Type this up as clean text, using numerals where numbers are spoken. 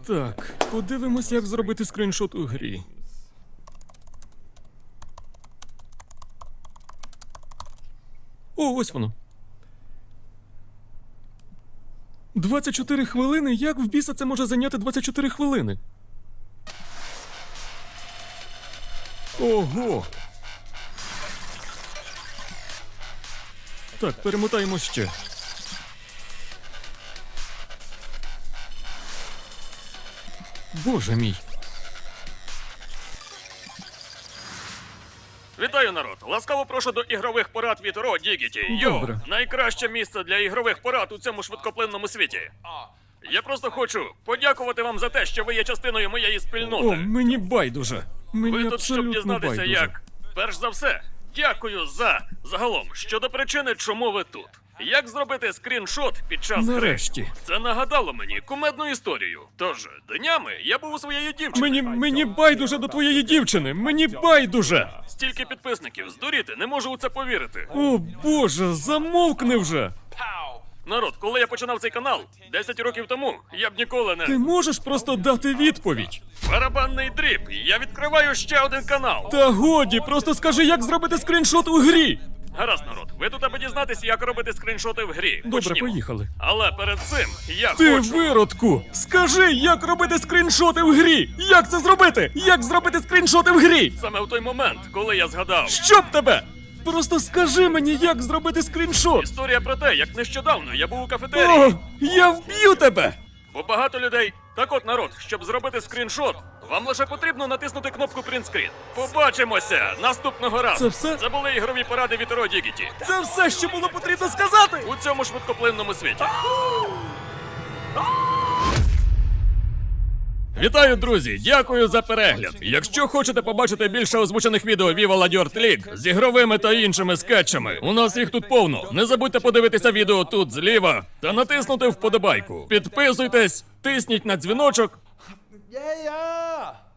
Так, подивимось, як зробити скріншот у грі. О, ось воно. 24 хвилини? Як в біса це може зайняти 24 хвилини? Ого! Так, перемотаємо ще. Боже мій. Вітаю, народ! Ласкаво прошу до ігрових порад від Ро Дігіті. Добре. Найкраще місце для ігрових порад у цьому швидкоплинному світі. Я просто хочу подякувати вам за те, що ви є частиною моєї спільноти. О, мені байдуже. Мені Ви тут, щоб абсолютно дізнатися, байдуже. як. Перш за все, дякую загалом щодо причини, чому ви тут. Як зробити скріншот під час гри? Нарешті. Це нагадало мені кумедну історію. Тож, днями я був у своєї дівчини. Мені байдуже до твоєї дівчини. Мені байдуже. Стільки підписників, здуріти, не можу у це повірити. О, Боже, замовкни вже. Народ, коли я починав цей канал 10 років тому, я б ніколи Ти не... можеш просто дати відповідь? Барабанний дріб, я відкриваю ще один канал. Та годі, просто скажи, як зробити скріншот у грі. Гаразд, народ, ви тут аби дізнатися, як робити скріншоти в грі. Добре, Почнімо. поїхали. Але перед цим я Ти хочу... виродку! Скажи, як робити скріншоти в грі! Як це зробити? Як зробити скріншоти в грі? Саме в той момент, коли я згадав. Щоб тебе! Просто скажи мені, як зробити скріншот! Історія про те, як нещодавно я був у кафетерії. О, я вб'ю тебе! Бо багато людей... Так от, народ, щоб зробити скріншот, вам лише потрібно натиснути кнопку Print Screen. Побачимося наступного разу. Це все? Це були ігрові поради від Ро Дігіті. Це все, що було потрібно сказати! У цьому швидкоплинному світі. Вітаю, друзі! Дякую за перегляд! Якщо хочете побачити більше озвучених відео Viva La Dirt League з ігровими та іншими скетчами, у нас їх тут повно. Не забудьте подивитися відео тут зліва та натиснути вподобайку. Підписуйтесь, тисніть на дзвіночок. Yeah, yeah.